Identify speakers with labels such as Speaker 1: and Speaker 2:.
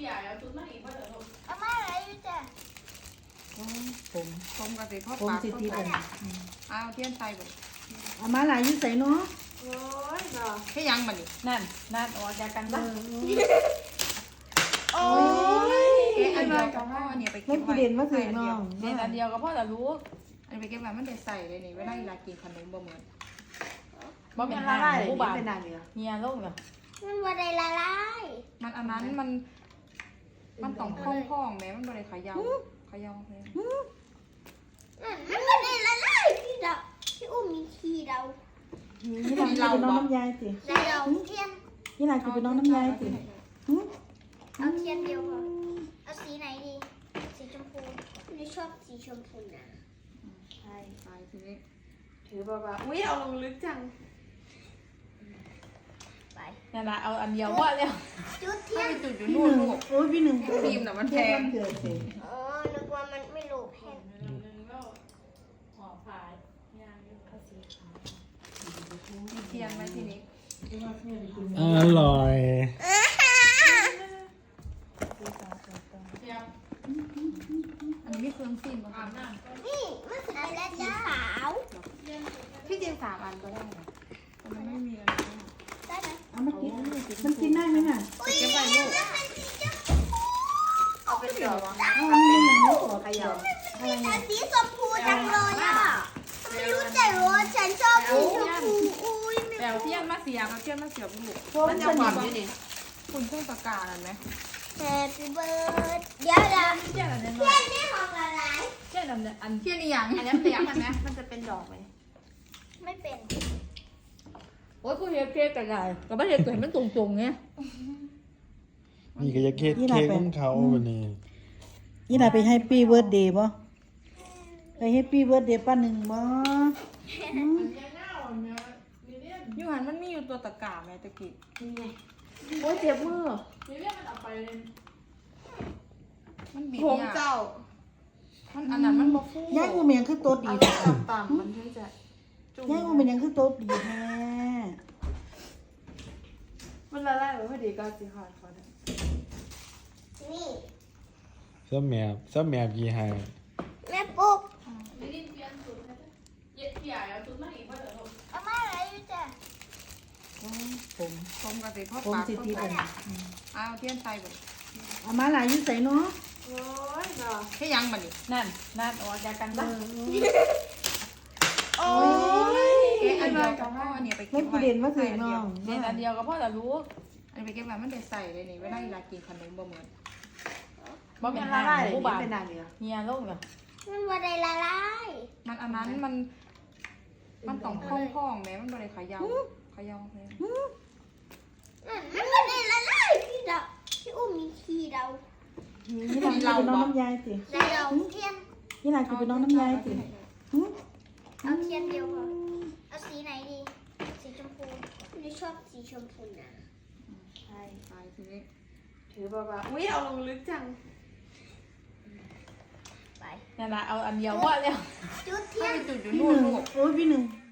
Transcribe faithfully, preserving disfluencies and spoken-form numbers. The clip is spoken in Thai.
Speaker 1: พี่ใหญ่เอาชุดมาอีกเพราะเดี๋ยวลูก
Speaker 2: เอามาอะไรอยู่จ้ะ
Speaker 3: ผมผมกับสิพ่อ
Speaker 4: ผม
Speaker 3: ปาก
Speaker 4: สิ
Speaker 3: พ่อ
Speaker 4: ตี
Speaker 3: ปา
Speaker 4: เป็
Speaker 3: ก
Speaker 4: น
Speaker 3: เอาเทียนใส่บ่
Speaker 4: เอามาหลายอยู่ใส่เนาะ
Speaker 2: โอ้ยเนาะ
Speaker 3: ให้ยังบัดนี้
Speaker 1: นั่นนั่นออกจากกัน
Speaker 4: เอ
Speaker 1: ซะ
Speaker 4: อ
Speaker 2: โอ้ย
Speaker 3: เอ๊ะอันเดียวกับพ่อเนี่ยไป
Speaker 4: เล่
Speaker 3: เก็
Speaker 4: น
Speaker 3: บ
Speaker 4: ประ
Speaker 3: ไว้
Speaker 4: เด็นมาใส่น้อง
Speaker 1: เรียนอันเดียวก็พ่อแต่รู้
Speaker 3: อันนี้ไปเก็บไว้มันได้ใส่เลยนี่เวลาเวลากินขนมบ่เหมือน
Speaker 1: บอกเป็น
Speaker 4: ละ
Speaker 1: ห้า
Speaker 4: ลาย
Speaker 1: หมูบาน
Speaker 4: เป็นนานเหรอ
Speaker 1: เฮียลงเหรอ
Speaker 2: มันว่าได้ละลาย
Speaker 3: มันอันนั้นมันมันต้องพองๆแม้มันบ่ได้เขย่าเขย่าเลย
Speaker 2: นั่นมันว่าได้ละลายพี่ดาวพี่อุ้มมีขี้ดาว
Speaker 4: นี่หลานคือเป็นน้องน้ำยายสิ
Speaker 2: ได้ดาวเทียน
Speaker 4: นี่หลานคือเป็นน้องน้ำยายสิ
Speaker 2: เอาเทียนเดียวพอเอาสีไหนดี สีชมพูนี่ชอบสีชมพูนะ
Speaker 3: ใช่ใช่ทีนี้
Speaker 1: ถือเบาๆอุ้ยเอาลงลึกจัง
Speaker 2: ไป
Speaker 1: นั่นแหละเอาอันเดียวว่าแล้ว
Speaker 2: จุดเทีย
Speaker 3: ถ้าน ไปจุดอยู่
Speaker 4: พี่
Speaker 3: นู่
Speaker 4: ห
Speaker 3: น
Speaker 4: นึ่ง
Speaker 3: ลูก
Speaker 4: โอ้ยพี่หนึ่ง
Speaker 3: ครีมน่ะมันแพง
Speaker 4: เกิดสิ
Speaker 2: อ๋อนึกว่ามันไม่โลภแพง
Speaker 1: ห่อผายยางภาษี
Speaker 3: มีเทียนไหมทีนี้
Speaker 5: อร่อย
Speaker 3: อันนี้มีเครื่องซีนบ่คะ
Speaker 2: นี่มันคืออะไรสีขาว
Speaker 3: ที่จริงสามอันก็ได้นะแต่มันไม่มีอะไรนะ
Speaker 2: ได้ไหม
Speaker 4: เอามากินมันกินได้ไหมน่ะ
Speaker 2: อุ้ย
Speaker 3: เก็บไว้ลูก
Speaker 2: เอาไปเดี๋ยว
Speaker 4: เอาอันนี้หนังลูกขอเดียว
Speaker 2: มีแต่สีชมพูจังเลยอ่ะไม่รู้แต่ว่าฉันชอบสีชมพูอุ้ย
Speaker 3: แปลวเทียนมาเสียบเอาเทียนมาเสียบลูก
Speaker 4: มันจะหวานอยู่นี่
Speaker 3: คุณเครื่องประกาศเห็นไหม
Speaker 2: แฮปปี้เบิร์ดเดี๋ยวเดี๋ยว
Speaker 1: เทียนอันนี้
Speaker 2: เทียนนี่ของอะไร
Speaker 1: เทียนอันนี้อัน
Speaker 3: เทียนอีหยัง
Speaker 1: อันนี้เลี้ยงมันไหมมันจะเป็นดอกไหม
Speaker 2: ไม่เป็น
Speaker 1: โอ้ยกูเฮ็ดเค้กแต่ไงก็ไม่เฮ็ดเกิดมันตรงๆไง
Speaker 5: นี่ก็จะเค้กเค้กของเขาวันนี้
Speaker 4: นี่หลานไปให้ปี้เบิร์ดเดย์ป่ะไปให้ปี้เบิร์ดเดย์ป้าหนึ่งบ่
Speaker 3: ยูหันมันมีอยู่ตัวตะกร้าไหมตะกี้
Speaker 1: โอ้ยเจ็บมือ
Speaker 3: มันบีบ
Speaker 1: ผม
Speaker 3: ยาก
Speaker 1: เจ้า
Speaker 3: มันอันนั้นมันบ่ฟู
Speaker 4: ย่ายกูเป็นหยังคือโต๊ะดีแท้
Speaker 1: ต่ำๆมันถึงจะจุ่ม
Speaker 4: ย่ายกูเป็นหยังคือโต๊ะดีแท้
Speaker 1: มันละลายไปพอดีก็สิค่ะขอได้
Speaker 2: นี่
Speaker 5: สแมบสแมบยี่ห้า
Speaker 2: แม่ปุ๊ก
Speaker 1: พี่ใหญ่เอาชุดมาอีกเพราะเดี๋ยวลูก
Speaker 2: เอามาอะไรอยู่จ้ะ
Speaker 4: ผม
Speaker 3: ผมกับสิพ่อ
Speaker 4: ผม
Speaker 3: ปาก
Speaker 4: สิตีเป็น
Speaker 3: เอาเทียนใส่บ่
Speaker 4: เอามาหลายอยู่ใส่เนาะ
Speaker 1: โอ้ยเนาะ
Speaker 3: ให้ยังบัดนี้
Speaker 1: นั่นนั่นออกจากกันซะ
Speaker 2: โอ้ย
Speaker 3: เอ๊ะอันเดียวกับพ่อเนี่ยไปเก็
Speaker 4: เล่น
Speaker 3: บ
Speaker 4: ประ
Speaker 3: ไว้
Speaker 4: เด็นมาใส่น้อง
Speaker 1: เรียนอันเดียวก็พ่อแต่รู้
Speaker 3: อันนี้ไปเก็บไว้มันได้ใส่เลยนี่เวลาเวลากินขนมบ่เหมือน
Speaker 1: บอกเป็นห้าหมูบาน
Speaker 4: เป็นนานเหรอ
Speaker 1: เฮียลงเหรอ
Speaker 2: มันว่าได้ละลาย
Speaker 3: มันอันนั้นมัน มันต้องพองๆแม้มันบ่ได้เขย่าเขย่าเลย
Speaker 2: นั่นมันว่าได้ละลายพี่ดาวพี่อุ้มมีขี้ดาว
Speaker 4: นี่หลานคือเป็นน้องน้ำยายสิ
Speaker 2: ได้ดาวเทียน
Speaker 4: นี่หลานคือเป็นน้องน้ำยายสิ
Speaker 2: เอาเทียนเดียวพอเอาสีไหนดี สีชมพูนี่ชอบสีชมพูนะ
Speaker 3: ใช่ใช่ทีนี้
Speaker 1: ถือเบาๆอุ้ยเอาลงลึกจัง
Speaker 2: ไป
Speaker 1: นั่นแหละเอาอันเดียวว่าแล้ว
Speaker 2: จุดเที
Speaker 3: ถ้าย
Speaker 2: น
Speaker 3: ไปจุดอยู่
Speaker 4: พี่
Speaker 3: นู่
Speaker 4: ห
Speaker 3: น
Speaker 4: นึ่ง
Speaker 3: ลูก
Speaker 4: โอ้ยพี่หนึ่ง